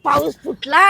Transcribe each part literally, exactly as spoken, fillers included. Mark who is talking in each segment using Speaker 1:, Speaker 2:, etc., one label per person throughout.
Speaker 1: पाऊस फुटला.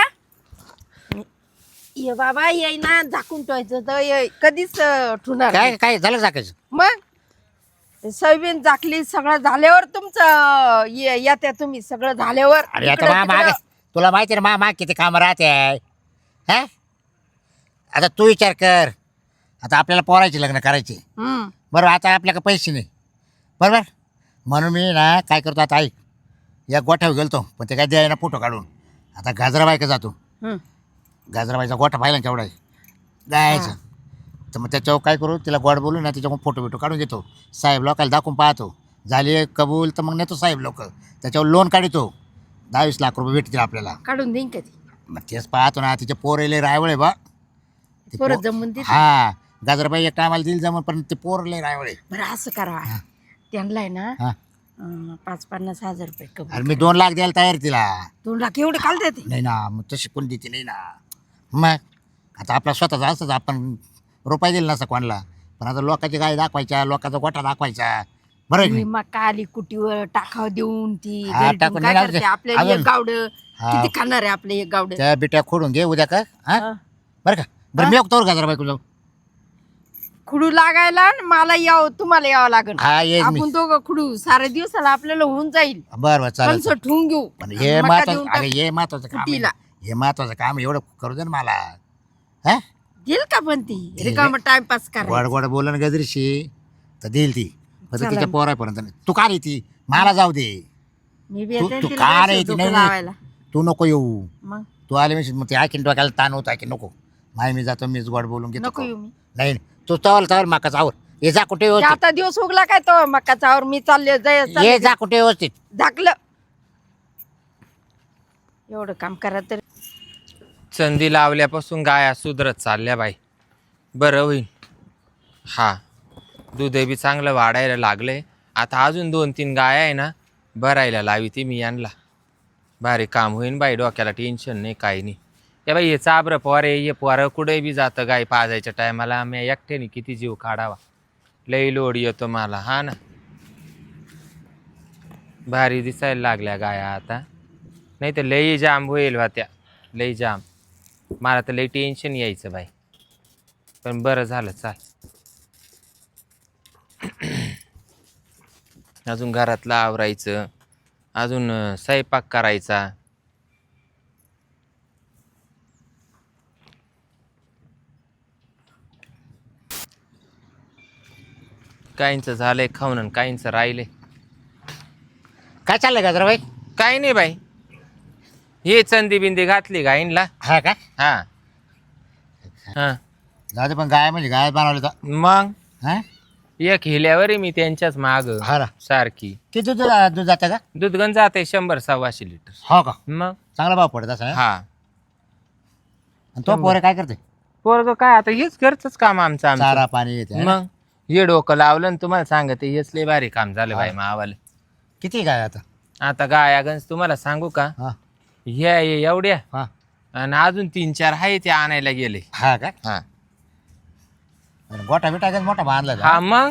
Speaker 1: ये बाबा ये ना झाकून ठेवायचं तर ये कधीच अं, ठुणार
Speaker 2: काय
Speaker 1: नाही.
Speaker 2: काय झालं झाकायचं?
Speaker 1: मग ते सोयाबीन झाकली सगळं झाल्यावर तुमचं ये- येत्या तुम्ही सगळं झाल्यावर
Speaker 2: अरे आता
Speaker 1: इकडं
Speaker 2: मा माग
Speaker 1: तिकडं.
Speaker 2: तुला माहिती आहे ना मा माग किती काम राहते हा. आता तू विचार कर. आता आपल्याला पोरायचे लग्न करायचे
Speaker 1: हम्म.
Speaker 2: बरोबर. आता आपल्याकडे पैसे नाही बरोबर. म्हणून मी ना काय करतो आता ऐक. या गोठ्यावर गेलतो पण ते काय द्याय ना फोटो काढून. आता गाजराबाई का जातो.
Speaker 1: हम्म.
Speaker 2: गाजराबाईचा गोठा पाहिला ना केवढा आहे जायचं. तर मग त्याच्यावर काय करू तिला गोड बोलू ना तिच्याकडून फोटो बिटो काढून घेतो. साहेब लोकांना दाखवून पाहतो झाली कबूल तर मग नेतो साहेब लोक त्याच्यावर लोन काढतो. दहावीस लाख रुपये भेटतील आपल्याला.
Speaker 1: काढून देईन कधी
Speaker 2: मग तेच पाहतो ना तिचे पोर लय रायवळे बा. ते
Speaker 1: परत
Speaker 2: पो-
Speaker 1: जमून देते.
Speaker 2: हा गाजराबाई एक टायमाला दिल जमून पण ते पोर लय रायवळे.
Speaker 1: बरं असं करा त्यांना आहे ना
Speaker 2: हा
Speaker 1: अं, पाच पन्नास हजार रुपये
Speaker 2: अरे
Speaker 1: कबूल.
Speaker 2: मी दोन लाख द्यायला तयार तिला.
Speaker 1: दोन लाख एवढे काल देते.
Speaker 2: नाही ना मग तशी कोण देते नाही ना. मग आता आपला स्वतःचा असंच आपण रुपये दिला नसता कोणाला. पण आता लोकांची गाय दाखवायच्या लोकांचा गोठा दाखवायचा बरं आहे की
Speaker 1: मी
Speaker 2: नाही?
Speaker 1: मग आली कुटीवर टाकाव देऊन ती
Speaker 2: हा,
Speaker 1: घरी
Speaker 2: टाकून
Speaker 1: ठेवून काय
Speaker 2: नाही
Speaker 1: करते
Speaker 2: लावते.
Speaker 1: आपल्याला
Speaker 2: अजून.
Speaker 1: एक गावड
Speaker 2: हा.
Speaker 1: किती खाणार आहे आपले एक गावड.
Speaker 2: त्या बिट्या खोडून घे उद्या का हा
Speaker 1: हा.
Speaker 2: बरं का. बरं मी बघतो गाजराबाई जाऊ.
Speaker 1: खुडू लागायला आणि मला यावं तुम्हाला यावं लागेल.
Speaker 2: हा येईल मी.
Speaker 1: आपण दोघं खुडू सारे दिवसाला आपल्याला होऊन जाईल.
Speaker 2: बरं बरं चालेल
Speaker 1: कणसं ठेवून घेऊ
Speaker 2: पण हे
Speaker 1: मका
Speaker 2: महत्वाचं
Speaker 1: देऊन
Speaker 2: अरे
Speaker 1: टाक.
Speaker 2: हे महत्वाचं काम आहे.
Speaker 1: कुटीला.
Speaker 2: हे महत्वाचं काम एवढं करू दे ना मला हा.
Speaker 1: देईल का पण ती
Speaker 2: देईल.
Speaker 1: रिकाम टाइमपास
Speaker 2: गोड
Speaker 1: करा.
Speaker 2: गोड बोलन गजरीशी तर देईल ती. पण
Speaker 1: चालेल.
Speaker 2: तिच्या पोरापर्यंत नाही. तू का रे ती मला जाऊ दे.
Speaker 1: मी बी
Speaker 2: तू
Speaker 1: येते
Speaker 2: तू
Speaker 1: तिला
Speaker 2: का
Speaker 1: जायचं
Speaker 2: रे ती
Speaker 1: डोकं
Speaker 2: नाही
Speaker 1: लावायला.
Speaker 2: नाही. तू नको येऊ.
Speaker 1: मग
Speaker 2: तू आले मी मग ते आखीन डोक्याला ताण होता की नको माय मी जातो मीच गोड बोलून घेतो.
Speaker 1: नको येऊ मी.
Speaker 2: नाही नाही. तू चावल चावल माकाच आवर ये जा कुठे
Speaker 1: ते
Speaker 2: व्यवस्थित.
Speaker 1: आता दिवस उगला काय तो मकाचावर मी चालले जाय
Speaker 2: ये
Speaker 1: चालले.
Speaker 2: जा कुठे व्यवस्थित.
Speaker 1: झाकलं एवढं काम करा तर
Speaker 3: संधी लावल्यापासून गाया सुधरत चालल्या बाई. बरं होईल. हा दूध बी चांगलं वाढायला लागलंय. आता अजून दोन तीन गाया आहे ना भरायला लावी ती मी यांना. भारी काम होईन बाई. डोक्याला टेन्शन नाही काही नाही. या बाई हे चाबरं पोरे ये पोरं कुठे बी जातं गाय पाजायच्या टायमाला मी एकट्याने किती जीव काढावा. लई लोड येतो मला. हा ना भारी दिसायला लागल्या गाया आता. नाही तर लई जाम होईल होत्या. लई जाम. मला तर लई टेन्शन यायचं बाई. पण बरं झालं चाल. अजून घरातलं आवरायचं. अजून अं, स्वयंपाक करायचा. काहींचं झालंय खाऊन आणि काहींचं राहिलंय.
Speaker 2: काय चाललंय गाजराबाई.
Speaker 3: काही नाही बाई. हे चंदी बिंदी घातली गाईंला.
Speaker 2: हा का
Speaker 3: हा हा
Speaker 2: जाऊ दे पण गाय म्हणजे गाय बनवले तर
Speaker 3: मग
Speaker 2: हा.
Speaker 3: एक हिल्यावर मी त्यांच्याच माग
Speaker 2: हा ना.
Speaker 3: सारखी.
Speaker 2: किती दूध दूध जातं का.
Speaker 3: दूध गण जाते शंभर सव्वाशे लिटर.
Speaker 2: हो का
Speaker 3: मग
Speaker 2: चांगला भाव पडत असं.
Speaker 3: हा
Speaker 2: आणि तो पोरे काय करते.
Speaker 3: पोरग काय आता हेच घरचंच काम आमचं आमचं.
Speaker 2: चारा पाणी येते.
Speaker 3: मग हे डोकं लावलं आणि तुम्हाला सांगते हेच लय भारी काम झालं बाई मावाले.
Speaker 2: किती गाय आता.
Speaker 3: आता गाया गंज तुम्हाला सांगू का
Speaker 2: हा
Speaker 3: ह्या ये एवढ्या
Speaker 2: हा
Speaker 3: आणि अजून तीन चार आहे ते आणायला गेले.
Speaker 2: हा का.
Speaker 3: हा
Speaker 2: आणि गोठा बिटा गंज मोठा बांधला का?
Speaker 3: हा मग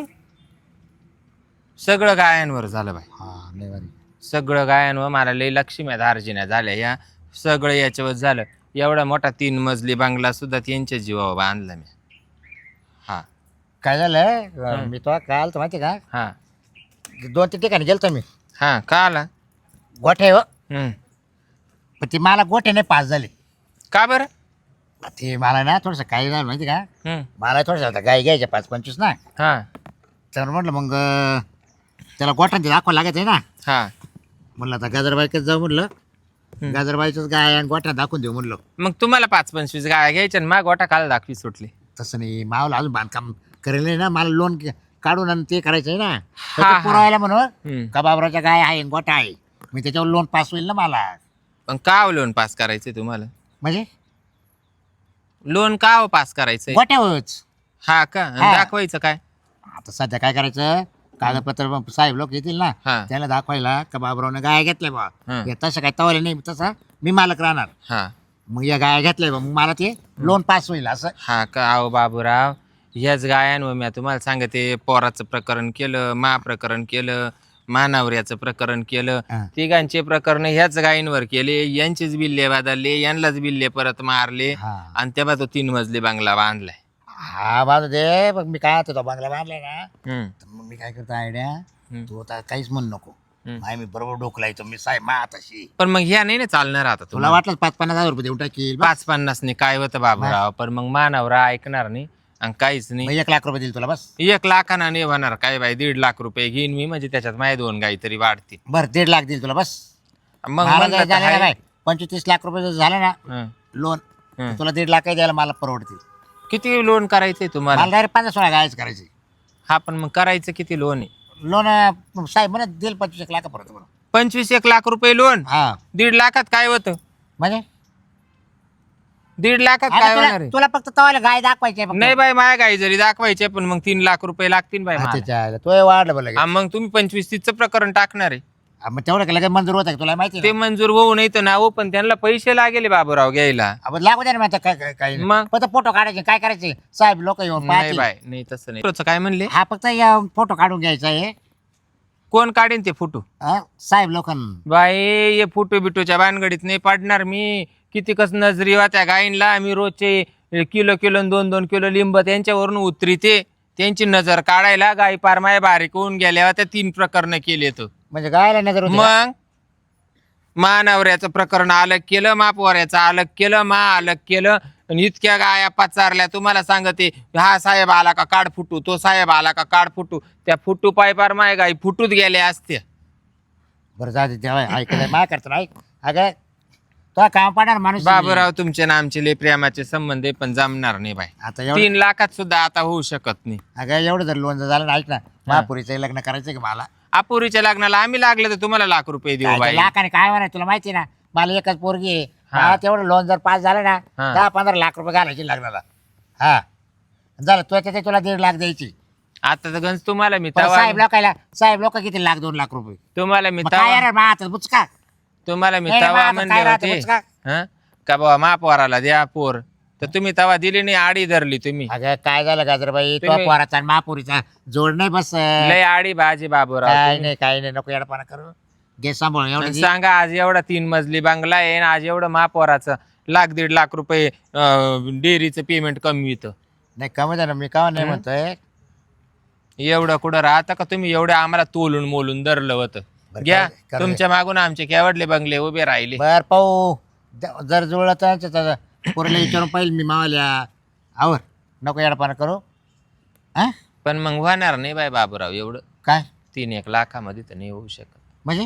Speaker 3: सगळं गायांवर झालं बाई.
Speaker 2: हा लय भारी.
Speaker 3: सगळं गायांवर मला लई लक्ष्म्या दार्जिन्या झाल्या. या सगळं याच्यावर झालं. एवढा मोठा तीन मजली बंगला सुद्धा त्यांच्या जीवावर बांधला मी. हा
Speaker 2: काय झालं
Speaker 3: हं.
Speaker 2: मी तो काल तर माहिती का
Speaker 3: हा
Speaker 2: दोन तीन ठिकाणी गेलतो मी
Speaker 3: हा का आला.
Speaker 2: गोठे हो.
Speaker 3: हम्म.
Speaker 2: पण ती मला गोठे नाही पास झाले.
Speaker 3: का बरं.
Speaker 2: ते मला ना थोडंसं काय झालं माहिती का
Speaker 3: हम्म.
Speaker 2: मला थोडंसं आता गाय घ्यायच्या पाच पंचवीस ना.
Speaker 3: हा
Speaker 2: तर म्हटलं मग अं, त्याला गोठ्यांचे दाखवा लागत आहे ना.
Speaker 3: हा
Speaker 2: म्हणलं आता गाजरबाईकच जाऊ म्हणलं. गाजरबाईचंच गाय आणि गोठ्या दाखवून देऊ म्हणलं.
Speaker 3: मग तुम्हाला पाच पंचवीस गाया घ्यायच्या आणि मग गोटा काल दाखवी सुटली.
Speaker 2: तसं नाही मावलं अजून बांधकाम करेल नाही ना मला लोन काढून आणि ते करायचं आहे ना.
Speaker 3: हा,
Speaker 2: तर
Speaker 3: हा.
Speaker 2: ते पुरवायला म्हणून
Speaker 3: हम्म.
Speaker 2: का बाबराच्या गाय आहे आणि गोठा आहे मी त्याच्यावर लोन पास होईल ना मला.
Speaker 3: पण का लोन पास करायचंय तुम्हाला.
Speaker 2: म्हणजे
Speaker 3: लोन का पास करायचंय.
Speaker 2: गोठ्यावरच.
Speaker 3: हा का आणि
Speaker 2: हा.
Speaker 3: दाखवायचं काय.
Speaker 2: आता सध्या काय करायचं कागदपत्र मग साहेब लोक येतील ना
Speaker 3: हा
Speaker 2: त्याला दाखवायला का बाबरावनं गाय घेतल्या बा.
Speaker 3: हा.
Speaker 2: हे तसं काय तवाले नाही तसा मी मालक राहणार.
Speaker 3: हा
Speaker 2: मग या गाय घेतल्या बा मग मला ते लोन पास होईल असं.
Speaker 3: हा का अहो बाबूराव ह्याच गायांवर मी तुम्हाला सांगते पोराचं प्रकरण केलं मा प्रकरण केलं मानावऱ्याचं प्रकरण केलं,
Speaker 2: हा.
Speaker 3: तिघांचे प्रकरण ह्याच गायींवर केले, यांचेच बिल्ले बदलले, यांनाच बिल्ले परत मारले
Speaker 2: हा
Speaker 3: आणि तेव्हा तो तीन मजली बंगला बांधलाय.
Speaker 2: हा बाजू दे. मग मी काय होतो बंगला बांधलाय ना,
Speaker 3: हम्म,
Speaker 2: तर मग मी काय करतो आयडिया,
Speaker 3: हम्म.
Speaker 2: तू आता काहीच म्हणू नको.
Speaker 3: हम्म.
Speaker 2: माय मी बरोबर डोकला येतो मी साहेब मा तशी.
Speaker 3: पण मग ह्या नाही ना चालणार आता
Speaker 2: तुला
Speaker 3: तुला.
Speaker 2: वाटलं पाच पन्नास हजार रुपये देऊन टाकील,
Speaker 3: पाच पन्नासने काय होतं बाबूराव, पण मग मानावरा ऐकणार नाही आणि काहीच नाही.
Speaker 2: मग एक लाख रुपये देईल तुला बस.
Speaker 3: एक लाखाना नाही होणार काय बाई, दीड लाख रुपये घेईन मी, म्हणजे त्याच्यात माझ्या दोन गाई तरी वाढतील.
Speaker 2: बरं दीड लाख देईल तुला बस.
Speaker 3: मग
Speaker 2: मला
Speaker 3: म्हणलं
Speaker 2: जर
Speaker 3: तर
Speaker 2: झालं ना
Speaker 3: हाय.
Speaker 2: काय पंचवीस तीस लाख रुपये जर झालं ना
Speaker 3: हं,
Speaker 2: लोन,
Speaker 3: हं.
Speaker 2: तुला दीड लाख द्यायला मला परवडतील.
Speaker 3: किती लोन करायचंय तुम्हाला?
Speaker 2: मला डायरेक्ट पंधरा सोळा गायच करायची.
Speaker 3: हा पण मग करायचं किती लोन आहे?
Speaker 2: लोन साहेब म्हणत देईल पंचवीस एक लाख परत.
Speaker 3: पंचवीस एक लाख रुपये लोन.
Speaker 2: हा
Speaker 3: दीड लाखात काय होतं?
Speaker 2: म्हणजे
Speaker 3: दीड लाखात
Speaker 2: अरे
Speaker 3: काय
Speaker 2: तुला
Speaker 3: होणार आहे?
Speaker 2: तुला फक्त तवाला गाय दाखवायची आहे फक्त.
Speaker 3: नाही बाई, माझ्या गाई जरी दाखवायचे पण मग तीन लाख रुपये लागतील बाई मला.
Speaker 2: अच्छा अच्छा, तो वाढलं बोला.
Speaker 3: हा, मग तुम्ही पंचवीस तीसचं प्रकरण टाकणार आहे.
Speaker 2: मग तेवढं का लगेच मंजूर होत आहे तुला माहिती
Speaker 3: ते
Speaker 2: आहे
Speaker 3: मंजूर होऊ नाही तर ना हो, पण त्यांना पैसे लागेल बाबूराव घ्यायला.
Speaker 2: आपण लागू दे ना. मग आता काय काय काय
Speaker 3: मग?
Speaker 2: फक्त फोटो काढायचे काय करायचे साहेब लोक येऊन
Speaker 3: नाही
Speaker 2: पाहतील.
Speaker 3: बाय, नाही तसं नाही. रोजचं काय म्हणले?
Speaker 2: हा फक्त फोटो काढून घ्यायचा आहे.
Speaker 3: कोण काढेन ते फोटो?
Speaker 2: हा, साहेब लोकांना.
Speaker 3: बाई हे फोटो बिटोच्या भानगडीत नाही पडणार मी. किती कस नजरी त्या गायींना आम्ही रोजचे किलो किलो न दोन दोन किलो लिंब त्यांच्यावरून उतरीते. त्यांची नजर काढायला गाई पार माय बारीक होऊन गेल्या त्या तीन प्रकरण केले तर.
Speaker 2: म्हणजे गायला नजर होती का?
Speaker 3: मग मानावऱ्याचं प्रकरण अलग केलं, मापवाऱ्याचं अलग केलं, मा अलग केलं आणि इतक्या गाया पचारल्या. तुम्हाला सांगते, हा साहेब आला का काढ फुटू, तो साहेब आला का काढ फुटू. त्या फुटू पाय पार माय गाई फुटूत गेल्या असत्या.
Speaker 2: बरं जाते तेव्हा ऐकलं माय करतो ऐक. अगं तो काम पाडणार माणूस.
Speaker 3: बाबूराव तुमचे ना आमचे लय प्रेमाचे संबंध आहे, पण जमणार नाही बाई.
Speaker 2: आता एवढं
Speaker 3: तीन लाखात सुद्धा आता होऊ शकत नाही.
Speaker 2: अगं एवढं जर लोन जर झालं ना ऐक ना, महापुरीचं लग्न करायचं का मला?
Speaker 3: अपुरीच्या लग्नाला आम्ही लागले तर तुम्हाला लाख रुपये देऊ
Speaker 2: काय
Speaker 3: बाई.
Speaker 2: ते लाखाने काय म्हणाय तुला माहिती ना, मला एकच पोरगी आहे.
Speaker 3: हा.
Speaker 2: मला तेवढं लोन जर पास झालं ना
Speaker 3: हा.
Speaker 2: दहा पंधरा लाख रुपये घालायचे लग्नाला. हा झालं तुला त्याचे तुला दीड लाख द्यायची.
Speaker 3: आता तर गंज तुम्हाला मी
Speaker 2: पण
Speaker 3: तवा
Speaker 2: साहेब लोकायला साहेब लोक किती लाख दोन लाख रुपये.
Speaker 3: तुम्हाला मी
Speaker 2: मग काय
Speaker 3: तवा
Speaker 2: यार मा आता बुचका
Speaker 3: तुम्हाला मी
Speaker 2: नाही रे,
Speaker 3: तवा
Speaker 2: मग आता
Speaker 3: म्हणले
Speaker 2: काय राहतं
Speaker 3: होते
Speaker 2: बुचका?
Speaker 3: हं? का बाबा महापौराला द्या पोर, तर तुम्ही तवा दिली नाही, आडी धरली तुम्ही.
Speaker 2: अगं काय झालं गाजरबाई तो
Speaker 3: तुम्ही-
Speaker 2: पोराचा आणि महापुरीचा जोड नाही बस.
Speaker 3: लय आडी बाजी बाबूराव
Speaker 2: काय
Speaker 3: तुम्ही.
Speaker 2: नाही काय नाही नको येडपणा करू. घे सांभाळून एवढं
Speaker 3: आणि
Speaker 2: दे.
Speaker 3: सांगा आज एवढा तीन मजली बंगला आहे आणि आज एवढं महापौराचं लाख दीड लाख रुपये डेअरीचं पेमेंट कमी येतं.
Speaker 2: नाही कमी झालं मी का नाही
Speaker 3: हं?
Speaker 2: म्हणतोय.
Speaker 3: एवढं कुठं राहतं का तुम्ही? एवढं आम्हाला तोलून मोलून धरलं होतं.
Speaker 2: बरं,
Speaker 3: घ्या
Speaker 2: काय- काय-
Speaker 3: तुमच्या मागून आमचे केवडले बंगले उभे राहिले.
Speaker 2: बर पाहू द- जर जुळलं तर पोरीला विचारून पाहिजे मी मावाल्या आवर नको येडपणा करू. हा
Speaker 3: पण मग होणार नाही बाय बाबूराव एवढं.
Speaker 2: काय
Speaker 3: तीन एक लाखामध्ये तर नाही होऊ शकत.
Speaker 2: म्हणजे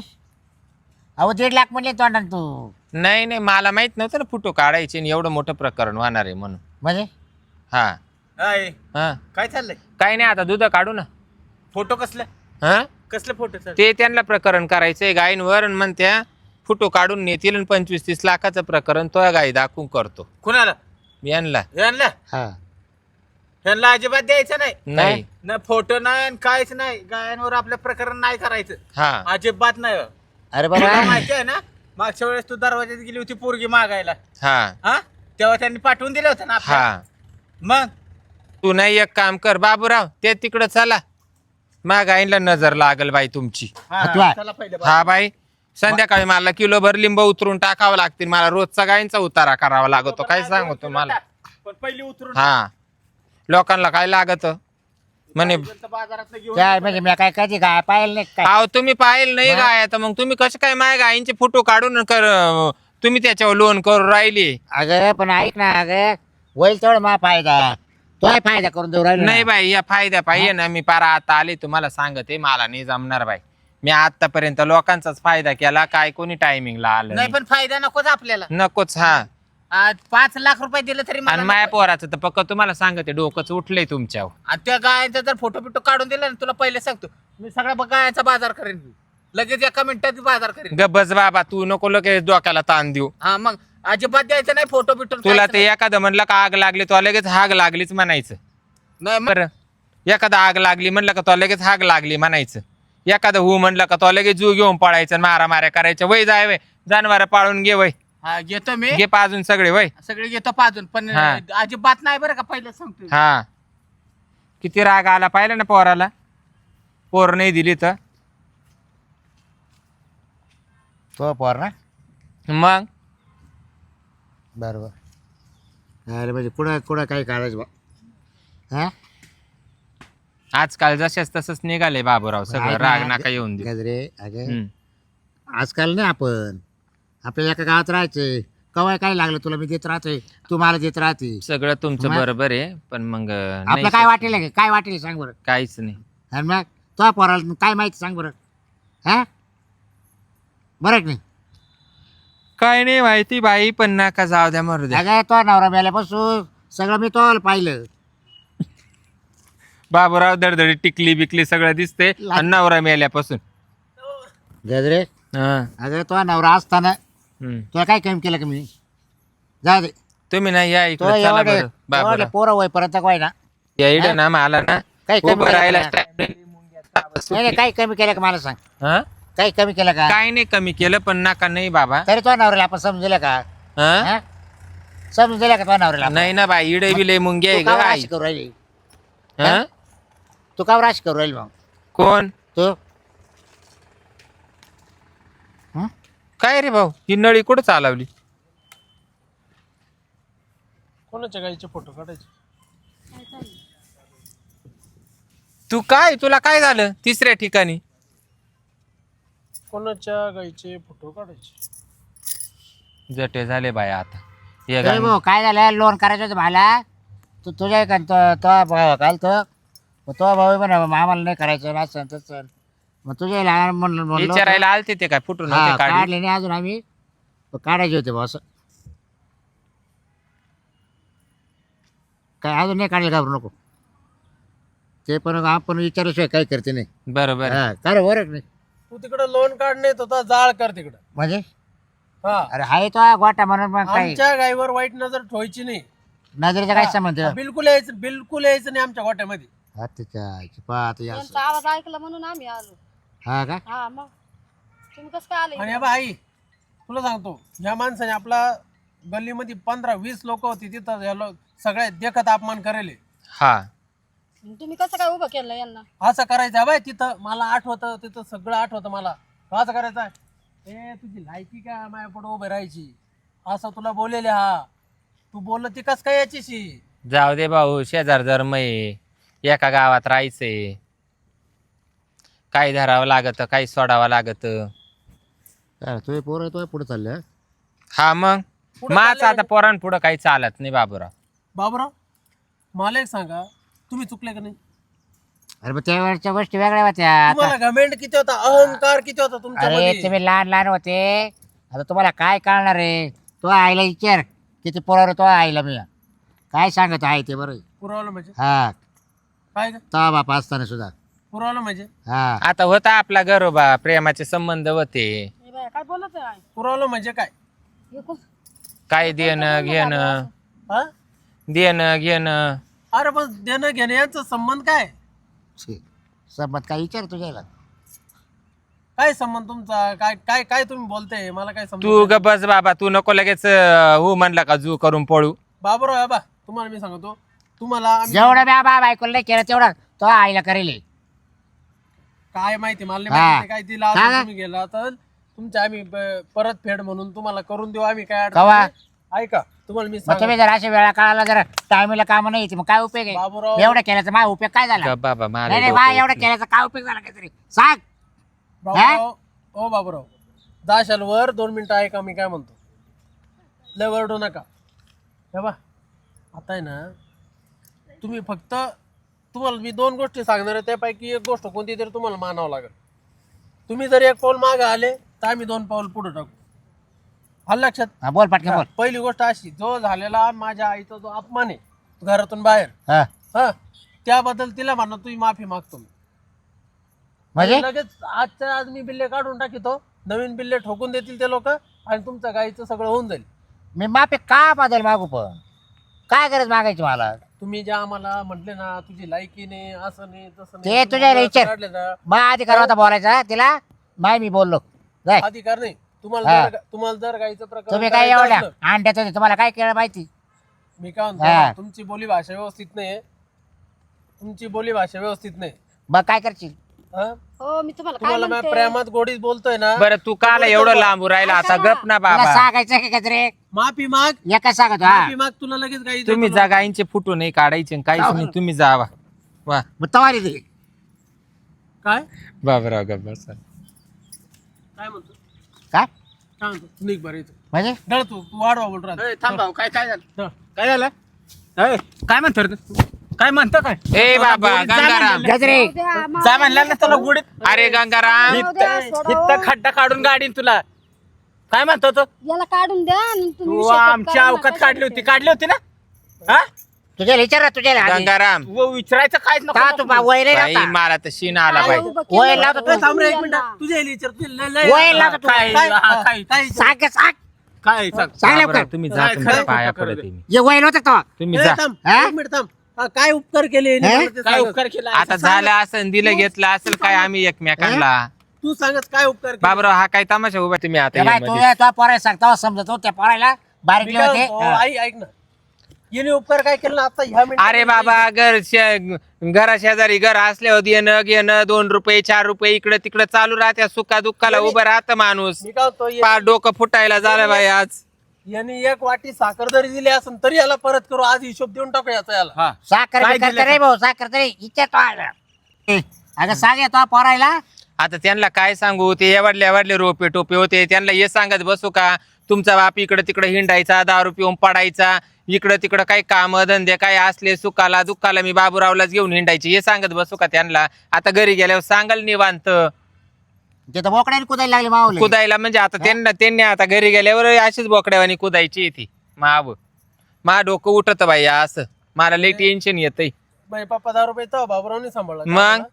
Speaker 2: अहो दीड लाख म्हणले तोंडाने तू.
Speaker 3: नाही नाही, मला माहित नव्हतं ना फोटो काढायचे आणि एवढं मोठं प्रकरण होणार आहे म्हणून.
Speaker 2: म्हणजे
Speaker 3: हा
Speaker 4: हाय,
Speaker 3: हा,
Speaker 4: काय चाललंय?
Speaker 3: काही नाही, आता दूध काढू ना.
Speaker 4: फोटो कसले
Speaker 3: हा,
Speaker 4: कसले फोटो चालले?
Speaker 3: ते त्यांना प्रकरण करायचंय गायींवर आणि म्हणत्या फोटो काढून नेतील आणि पंचवीस तीस लाखाचं प्रकरण तो गाई दाखवून करतो
Speaker 4: कुणाला?
Speaker 3: यांना.
Speaker 4: ह्यांना
Speaker 2: हा
Speaker 4: ह्यांना अजिबात द्यायचं नाही.
Speaker 3: नाही.
Speaker 4: ना फोटो नाही आणि काहीच नाही. गायांवर आपलं प्रकरण नाही करायचं.
Speaker 3: हा,
Speaker 4: अजिबात नाही.
Speaker 2: अरे
Speaker 4: तुला
Speaker 2: बाबा
Speaker 4: माहिती आहे ना, मागच्या वेळेस तू दरवाज्यात गेली होती पोरगी मागायला,
Speaker 3: हा,
Speaker 4: हा तेव्हा त्यांनी पाठवून दिलं होतं ना आपल्याला.
Speaker 3: हा.
Speaker 4: मग
Speaker 3: तू नाही एक काम कर बाबूराव, ते तिकडं चला, मा गाईंला नजर लागल बाई तुमची.
Speaker 4: हा,
Speaker 2: तू आहे.
Speaker 4: चला पहिले
Speaker 3: हा बाई, संध्याकाळी मला किलोभर लिंब उतरून टाकावं लागतील. मला रोजचा गायींचा उतारा करावा लागतो. काय सांगू तुम्हाला.
Speaker 4: पण पहिली उतरून
Speaker 3: हा, लोकांना काय लागत म्हणे.
Speaker 4: बाजारात घेऊन
Speaker 2: काय म्हणजे मी काय कधी काय पाहिलं नाही काय.
Speaker 3: अहो तुम्ही पाहिलं नाही गाय, तर मग तुम्ही कसं काय माझ्या गायींचे फोटो काढून कर तुम्ही त्याच्यावर लोन करून राहिले.
Speaker 2: अगं पण ऐक ना अगं होईल तेवढं मा फायदा तो फायदा करून देऊ राहिलो ना.
Speaker 3: नाही बाई, या फायद्या पाहिजे ना. मी पारा आता आले तुम्हाला सांगते, मला नाही जमणार बाई. मी आतापर्यंत लोकांचाच फायदा केला, काय कोणी टायमिंगला आलं
Speaker 4: नाही.
Speaker 3: नाही.
Speaker 4: पण फायदा नकोच आपल्याला.
Speaker 3: नकोच. हा,
Speaker 4: आज पाच लाख रुपये दिले तरी मला
Speaker 3: आणि माया
Speaker 4: नको.
Speaker 3: पोराचं तर पक्क तुम्हाला सांगते डोकंच उठलंय तुमच्यावर.
Speaker 4: आणि त्या गायांचा जर फोटो बिटो काढून दिला ना, तुला पहिले सांगतो मी सगळ्या ब- गायांचा बाजार करेन. मी लगेच एका मिनिटात बाजार करेन.
Speaker 3: गबस बाबा, तू नको लगेच डोक्याला ताण देऊ.
Speaker 4: हा मग अजिबात द्यायचं नाही फोटो बिटो.
Speaker 3: तुला ते एखादं म्हणलं का आग लागली, तो लगेच हाग लागलीच म्हणायचं.
Speaker 4: नाही मग
Speaker 3: बरं, एखादा आग लागली म्हणलं का तो लगेच हाग लागली म्हणायचं. एखादं हु म्हणलं का तो लगेच जू घेऊन पळायचं, मारा माऱ्या करायच्या. वय जाय वय, जनावर पाळून घे वय,
Speaker 4: हा घेतो मी
Speaker 3: घे पाजून सगळे वय.
Speaker 4: सगळे घेतो पाजून. पण
Speaker 3: हा.
Speaker 4: अजिबात नाही बरं का, पहिलं सांगतो.
Speaker 3: हा, किती राग आला पाहिलं ना पोराला. पोर नाही दिली तर
Speaker 2: तो पोर ना
Speaker 3: मग
Speaker 2: बरोबर. अरे म्हणजे कुठं कुठं काही काढायचं बा हा
Speaker 3: आजकाल जशाच तसंच निघाले बाबूराव सगळं.
Speaker 2: ऐक ना,
Speaker 3: राग नका येऊन दे.
Speaker 2: गजरे अगे
Speaker 3: हम्म.
Speaker 2: आजकाल नाही आपण आपल्याला एका गावात राहायचंय. कवाय काय लागलं तुला मी देत राहतोय तू मला देत राहते.
Speaker 3: सगळं तुमचं
Speaker 2: मग?
Speaker 3: बरोबर आहे पण मग
Speaker 2: आपलं
Speaker 3: नाही
Speaker 2: काय वाटेल का? काय वाटेल सांग बरं.
Speaker 3: काहीच नाही.
Speaker 2: आणि मग तो पोराला काय माहिती सांग बरं. हा बरं की नाही.
Speaker 3: काय नाही माहिती बाई पण नका जाऊ द्या मरू द्या.
Speaker 2: अगं तो नवरा मेल्यापासून सगळं मी तो पाहिलं.
Speaker 3: बाबूराव दडदडी टिकली बिकली सगळं दिसते आणि नवरा मेल्यापासून.
Speaker 2: गजरे
Speaker 3: हा.
Speaker 2: अगं तो नवरा असताना
Speaker 3: हम्म.
Speaker 2: तुला काय कमी केलं का मी. जा दे
Speaker 3: तुम्ही ना या
Speaker 2: तो
Speaker 3: इकडे चला
Speaker 2: एवढे
Speaker 3: बरं बाबूराव.
Speaker 2: पोरं वय परत काय ना
Speaker 3: या इकडे ना मला ना
Speaker 2: काही कमी
Speaker 3: उभं
Speaker 2: केलं
Speaker 3: राहायला
Speaker 2: का?
Speaker 3: time नाही.
Speaker 2: नाही नाही, काही कमी केलं का मला सांग.
Speaker 3: हा?
Speaker 2: काही कमी केलं का.
Speaker 3: काय नाही कमी केलं पण नका नाही बाबा.
Speaker 2: तरी तो नवऱ्याला आपण समजलं का.
Speaker 3: हा?
Speaker 2: हा? समजलं का तो नवऱ्याला आपण?
Speaker 3: नाही ना बाई इडे बिले मुंगे आहे
Speaker 2: तू
Speaker 3: ग
Speaker 2: का
Speaker 3: आई.
Speaker 2: राशी करू राहिली.
Speaker 3: हा?
Speaker 2: तू का राशी करू राहिली मग
Speaker 3: कोण
Speaker 2: तू
Speaker 3: काय रे भाऊ ही नळी कुठं चालवली.
Speaker 5: कोणाच्या गाईचे फोटो काढायचे.
Speaker 3: तू काय तुला काय झालं तिसऱ्या ठिकाणी.
Speaker 5: कोणाच्या गाईचे फोटो काढायचे.
Speaker 3: जटे झाले बाय आता हे
Speaker 2: ए
Speaker 3: गाणं.
Speaker 2: भाऊ काय झालं लोन करायचं होतं मला. तू तुझ्या का तो तो भाऊ काल तो मग तो भाऊ पण आम्हाला नाही करायचं असं तसं. मग तुझ्या लहान म्हणलं म्हणलं होतं.
Speaker 3: विचारायला आलते ते काय फुटून
Speaker 2: हा,
Speaker 3: होते काढले.
Speaker 2: काढले नाही अजून आम्ही पण काढायचे होते भाऊ असं. काय अजून नाही काढले घाबरू नको. ते पण आपण विचारल्याशिवाय काही करते नाही.
Speaker 3: बरोबर
Speaker 2: हा काय रे बरं नाही
Speaker 5: तू तिकडे लोन काढणे होता जाळ कर तिकडं.
Speaker 2: म्हणजे
Speaker 5: हा
Speaker 2: अरे हाय तो गोटा म्हणून मग काही
Speaker 5: आमच्या गाईवर वाईट नजर ठेवायची नाही.
Speaker 2: नजरेचा काय संबंध आहे?
Speaker 5: बिलकुल यायचं बिलकुल यायचं नाही आमच्या गोट्यामध्ये.
Speaker 2: हा त्याच्या पाहत या
Speaker 6: त्यांचा आवाज ऐकला म्हणून आम्ही आलो.
Speaker 2: हा का
Speaker 6: हा मग तुम्ही कसं काय आले
Speaker 5: आणि बा आई तुला सांगतो या माणसाने आपला गल्लीमध्ये पंधरा वीस लोक होती तिथं या लो- सगळे देखत अपमान करेले.
Speaker 3: हा
Speaker 6: तुम्ही कसं काय उभं केलं यांना.
Speaker 5: असं करायचं बाय तिथं मला आठवतं तिथं सगळं आठवतं मला. असं करायचं ए तुझी लायकी का माझ्या पुढे उभे राहायची असं तुला बोलेले. हा तू बोललं ती कस काय याचीशी.
Speaker 3: जाऊ दे भाऊ शेजार धर्म आहे एका गावात राहायचंय. काही धरावं लागत काही सोडावं लागत.
Speaker 2: काय तुझे पोर तो पुढे चालले.
Speaker 3: हा मग
Speaker 5: पुढं
Speaker 3: माझं
Speaker 5: चाललंय
Speaker 3: आता पोरां पुढं काही चालत नाही बाबूराव.
Speaker 5: बाबराव मला एक सांगा तुम्ही चुकले का नाही.
Speaker 2: अरे मग त्यावेळच्या गोष्टी वेगळ्या होत्या. आता
Speaker 5: तुम्हाला घमेंड किती होता अहंकार किती होता
Speaker 2: अरे
Speaker 5: तुमच्यामध्ये.
Speaker 2: तुम्ही लहान लहान होते. आता तुम्हाला काय कळणार आहे. तो आईला विचार किती पोरावर तो आईला मी काय सांगत आहे ते बरं.
Speaker 5: पुरवलं म्हणजे
Speaker 2: हा
Speaker 5: काय ग
Speaker 2: तो बापा असताना सुद्धा
Speaker 5: पुरवलं म्हणजे
Speaker 2: हा
Speaker 3: आता होता आपला घरोबा प्रेमाचे संबंध होते.
Speaker 6: हे बाया, काय बोलत आहे
Speaker 5: पुरवलं म्हणजे काय.
Speaker 6: हे कोण-
Speaker 3: काय देणं घेणं
Speaker 5: हा
Speaker 3: देणं घेणं.
Speaker 5: अरे पण देणं घेणं यांचा संबंध काय.
Speaker 2: छे, संबंध काय विचार तुझ्याला.
Speaker 5: काय संबंध तुमचा काय काय काय तुम्ही बोलताय मला काय
Speaker 3: तू
Speaker 5: समजत
Speaker 3: ग बस बाबा तू नको लगेच अं, हो म्हणला का जू करून पळू.
Speaker 5: बाबराव आहे बा तुम्हाला मी सांगतो तुम्हाला आम्ही-
Speaker 2: जेवढं मी बाबा ऐकून नाही केलं तेवढं तो आईला करेल.
Speaker 5: काय माहिती मला नाही
Speaker 2: हा.
Speaker 5: माहिती काय दिला
Speaker 2: काय?
Speaker 5: तुम्ही गेला तर तुमच्या आम्ही ब- परत फेड म्हणून तुम्हाला करून देऊ आम्ही काय अडचण
Speaker 2: कवा?
Speaker 5: नाही. ऐका तुम्हाला मी
Speaker 2: मग तुम्ही
Speaker 5: सांगतो
Speaker 2: जर अशा वेळा काळाला जर टायमिंगला काम नाही येते मग काय उपयोग आहे.
Speaker 5: बाबूराव
Speaker 2: एवढं केल्याचा माझा उपयोग काय झाला.
Speaker 3: ग बाबा मला
Speaker 2: नाही नाही
Speaker 3: डोकं
Speaker 2: बा एवढं
Speaker 3: उठलं.
Speaker 2: केल्याचा काय उपयोग झाला काहीतरी सांग.
Speaker 5: बाबूराव ओ बाबूराव जाशाल वर दोन मिनिटं ऐका मी काय म्हणतो. लय वरडू नका हे बा आता आहे ना तुम्ही फक्त तुम्हाला मी दोन गोष्टी सांगणार आहे त्यापैकी एक गोष्ट कोणती तरी तुम्हाला मानावं लागेल. तुम्ही जर एक पाऊल मागे आले तर आम्ही दोन पाऊल पुढे टाकू. आलं लक्षात.
Speaker 2: हा, बोल पटकन बोल.
Speaker 5: पहिली गोष्ट अशी जो झालेला माझ्या आईचा जो अपमान आहे घरातून बाहेर
Speaker 2: हा
Speaker 5: हा त्याबद्दल तिला म्हणा तुम्ही माफी मागतो मी.
Speaker 2: म्हणजे
Speaker 5: आणि लगेच आजच्या आज मी बिल्ले काढून टाकितो नवीन बिल्ले ठोकून देतील ते लोक आणि तुमच्या गाईचं सगळं होऊन जाईल.
Speaker 2: मी माफी का बदल मागू पण काय गरज मागायची मला.
Speaker 5: तुम्ही ज्या आम्हाला म्हटले ना तुझी लायकी नाही असं नाही तसं
Speaker 2: ते
Speaker 5: नाही
Speaker 2: तुझ्या
Speaker 5: तुम्ही
Speaker 2: विचार.
Speaker 5: काढले ना
Speaker 2: मग अधिकार होता बोलायचा तिला माय मी बोललो जाय.
Speaker 5: अधिकार नाही तुम्हाला
Speaker 2: हा.
Speaker 5: जर तुम्हाला जर गाईचं प्रकरण
Speaker 2: तुम्ही काय
Speaker 5: करायचं
Speaker 2: एवढ्या
Speaker 5: असलं,
Speaker 2: अंड्यात होते तुम्हाला काय केलं माहिती.
Speaker 5: मी काय
Speaker 2: हा.
Speaker 5: म्हणतो तुमची बोली भाषा व्यवस्थित नाही तुमची बोली भाषा व्यवस्थित नाही.
Speaker 2: मग काय करशील.
Speaker 5: हा?
Speaker 6: हो मी तुम्हाला काय
Speaker 5: तुम्हाला मी
Speaker 6: म्हणते
Speaker 5: प्रेमात गोडीत बोलतोय ना.
Speaker 3: बरं तू काला एवढं लांबू राहिला आता गप ना
Speaker 2: तुला
Speaker 3: बाबा.
Speaker 2: सांगायचं की गजरे
Speaker 5: माफी माग
Speaker 2: एका सांगतो हा
Speaker 5: माफी माग तुला लगेच काही
Speaker 3: तुम्ही जा गाईंचे फुटू नाही काढायचे आणि काहीच नाही तुम्ही जावा. वा
Speaker 2: मग तवारी दे
Speaker 5: काय
Speaker 3: बाबराव गप बसा.
Speaker 5: काय म्हणतो
Speaker 2: काय
Speaker 5: काय म्हणतो तू निघ बरं इथं.
Speaker 2: म्हणजे
Speaker 5: धड तू तू वाढवा बोल राहत.
Speaker 4: ए, थांब भाऊ काय काय झालं
Speaker 5: धड.
Speaker 4: काय झालं ए, काय म्हणतो रे तू? काय म्हणतो काय
Speaker 3: ए बाबा गंगाराम
Speaker 2: गजरे
Speaker 6: जाऊ द्या, मा-
Speaker 4: जा म्हणलं ना तुला गुडीत
Speaker 3: अरे गंगाराम
Speaker 6: जाऊ द्या, सोडा हो.
Speaker 4: इथं खड्डा काढून गाडीन तुला काय म्हणतो तो
Speaker 6: याला काढून द्या आणि तुम्ही
Speaker 4: तू
Speaker 6: शेतात
Speaker 4: आमची
Speaker 6: करा
Speaker 4: अवकात
Speaker 6: नका
Speaker 4: काढली होती
Speaker 6: शेतात.
Speaker 4: काढली होती ना हा
Speaker 2: तुझ्या विचार तुझ्या
Speaker 3: गंगाराम
Speaker 4: तू विचारायचं काहीच नको
Speaker 2: का तू बा- वय रे
Speaker 3: बाई
Speaker 2: आता?
Speaker 3: मला तर शीन आला
Speaker 6: काय
Speaker 3: बाई.
Speaker 6: उभं केलं
Speaker 2: वय
Speaker 6: होतं
Speaker 2: लावतो
Speaker 5: ए, थांब रे
Speaker 6: तुम्ही
Speaker 5: एक मिनिट
Speaker 6: यांना?
Speaker 5: तुझ्या इली विचार तुझी लय- लय-
Speaker 2: वय लावतो तू.
Speaker 4: काय
Speaker 5: काय
Speaker 4: हा, काय
Speaker 5: काय
Speaker 2: सांग सांग
Speaker 4: काय सांग
Speaker 2: सांग
Speaker 3: बाबराव,
Speaker 2: लवकर
Speaker 3: तुम्ही जा
Speaker 4: काय
Speaker 3: तुमच्या
Speaker 4: खरं
Speaker 3: पाया
Speaker 4: खोटं
Speaker 3: पडते
Speaker 4: करू
Speaker 3: मी.
Speaker 2: ये वय नव्हतं तेव्हा.
Speaker 3: तुम्ही
Speaker 5: ए,
Speaker 3: जा
Speaker 5: थांब
Speaker 2: हा?
Speaker 5: एक मिनिट थांब हा, काय उपकार केले यांनी
Speaker 2: हे?
Speaker 5: मला ते
Speaker 4: काय
Speaker 5: सांग.
Speaker 4: उपकार केला
Speaker 3: आता झालं असं दिलं घेतलं असेल काय आम्ही एकमेकांना.
Speaker 5: तू सांगत काय उपकार केले?
Speaker 3: बाबराव हा काय तमाशा उभा तुम्ही आता
Speaker 2: ए बाय,
Speaker 3: यामध्ये.
Speaker 2: तू तुझ्या पोरायला सांगता समजतो त्या पोरायला बारीक
Speaker 5: मी काय
Speaker 2: होते
Speaker 5: म्हणतो, आई ऐक ना याने उपकार काय केला ना आता ह्या मिनिटात-
Speaker 3: अरे बाबा घर शे- घरा शेजारी घर असल्यावर येणं घेणं दोन रुपये चार रुपये इकडे तिकडे चालू राहत्या सुखा दुःखाला उभं राहतं माणूस.
Speaker 5: मी काय म्हणतो ये-
Speaker 3: पार डोकं फुटायला झालं बाई आज.
Speaker 5: यांनी एक वाटी साखर जरी दिली असेल तरी याला परत करू आज हिशोब देऊन टाकू याचा याला
Speaker 4: हा
Speaker 2: साखर
Speaker 4: काय
Speaker 2: बिकर
Speaker 4: दिलं
Speaker 2: रे भाऊ साखर तरी इच्छा तो आला. ए, अगं सांग येतो पोरायला
Speaker 3: आता त्यांना काय सांगू ते एवढले एवढले रोपे टोपे होते त्यांना हे सांगत बसू का तुमचा बाप इकडे तिकडे हिंडायचा दारू पिऊन पडायचा इकडं तिकडं काही काम धंदे काय असले सुखाला दुःखाला मी बाबूरावलाच घेऊन हिंडायचे हे सांगत बसू का त्यांना. आता घरी गेल्यावर सांगाल निवांत
Speaker 2: ते तर बोकड्याने कुदायला लागले मावले
Speaker 3: कुदायला म्हणजे आता त्यांना त्यांनी आता घरी गेल्यावर अशीच बोकड्यावानी कुदायची ती माव मा डोकं उठत बाई असं मला लई टेन्शन येतंय.
Speaker 5: बाई पप्पा दहा रुपये तो बाबरावने सांभाळला
Speaker 3: मग?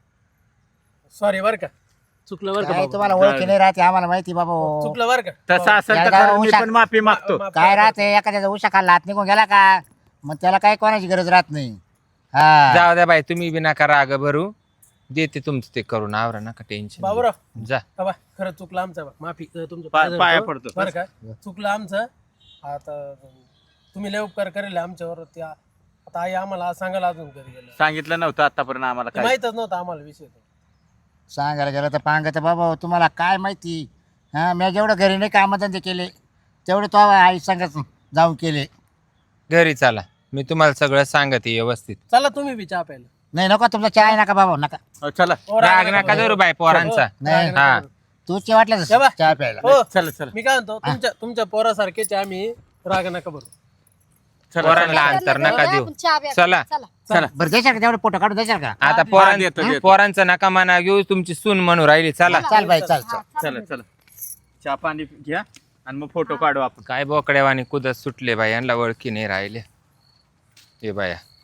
Speaker 5: सॉरी बर का चुकलं बर का
Speaker 2: काय
Speaker 5: बाबा.
Speaker 2: तुम्हाला ओळखी नाही राहते आम्हाला माहिती बाबा हो.
Speaker 5: चुकलं बर का
Speaker 4: तसं असेल तर
Speaker 2: याला
Speaker 4: खरं मी
Speaker 2: उशा-
Speaker 4: पण माफी मागतो
Speaker 5: माफ
Speaker 2: काय
Speaker 5: करा.
Speaker 2: राहते एखाद्याचा उशा खाल्ला हात निघून गेला का मग त्याला काही कोणाची गरज राहत नाही हा
Speaker 3: जाऊ द्या बाई तुम्ही बी नका राग भरू देते तुमचं ते करून आवरा नका टेन्शन
Speaker 5: बाबूराव
Speaker 3: जा.
Speaker 5: बाबा खरं चुकलं आमचं बा. माफी अं, तुमचं
Speaker 4: पा-
Speaker 5: पाय
Speaker 4: पाया
Speaker 5: धरतो.
Speaker 4: पडतो.
Speaker 5: बरं का चुकलं आमचं आता तुम्ही लय उपकार करेल आमच्यावर त्या आता आई आम्हाला सांगायला अजून घरी गेलं
Speaker 4: सांगितलं नव्हतं आतापर्यंत आम्हाला
Speaker 5: ते
Speaker 4: काय
Speaker 5: माहितच नव्हतं आम्हाला विषय तो.
Speaker 2: सांगायला गेलं तर पांगत बाबा तुम्हाला काय माहिती हा मी जेवढं घरी नाही कामधंदे केले तेवढे तो आई सांगत जाऊन केले
Speaker 3: घरी चला मी तुम्हाला सगळं सांगते व्यवस्थित.
Speaker 5: चला तुम्ही बी चहा प्यायला
Speaker 2: नाही नको तुमचा चहा नका बाबा नका
Speaker 4: हो, चला
Speaker 5: हो,
Speaker 3: राग
Speaker 5: राग
Speaker 3: नका
Speaker 5: नका
Speaker 3: धरू बाई पोरांचा.
Speaker 2: नाही
Speaker 3: हा
Speaker 2: तू चे वाटलं
Speaker 5: या बा.
Speaker 2: चहा प्यायला
Speaker 5: हो
Speaker 4: चला चला
Speaker 5: मी काय म्हणतो तुमच्या तुमच्या पोरासारखेच आम्ही राग नका बरू
Speaker 4: चला
Speaker 3: पोरांना अंतर नका देऊ.
Speaker 6: आपण चहा प्या.
Speaker 3: चला
Speaker 6: चला
Speaker 4: चला
Speaker 2: बरं देशाल का तेवढे फोटो काढून देशाल का
Speaker 3: आता
Speaker 4: हा,
Speaker 3: पोरां
Speaker 4: देतो, देतो.
Speaker 3: पोरांचं नका मना घेऊ तुमची सून म्हणून राहिली. चला
Speaker 2: चाल बाई चाल चाल
Speaker 4: चला चला चहा पाणी घ्या आणि मग फोटो काढू आपण
Speaker 3: काय बोकड्यावानी कुदत सुटले बाई यांना ओळखी नाही राहिले हे बाया.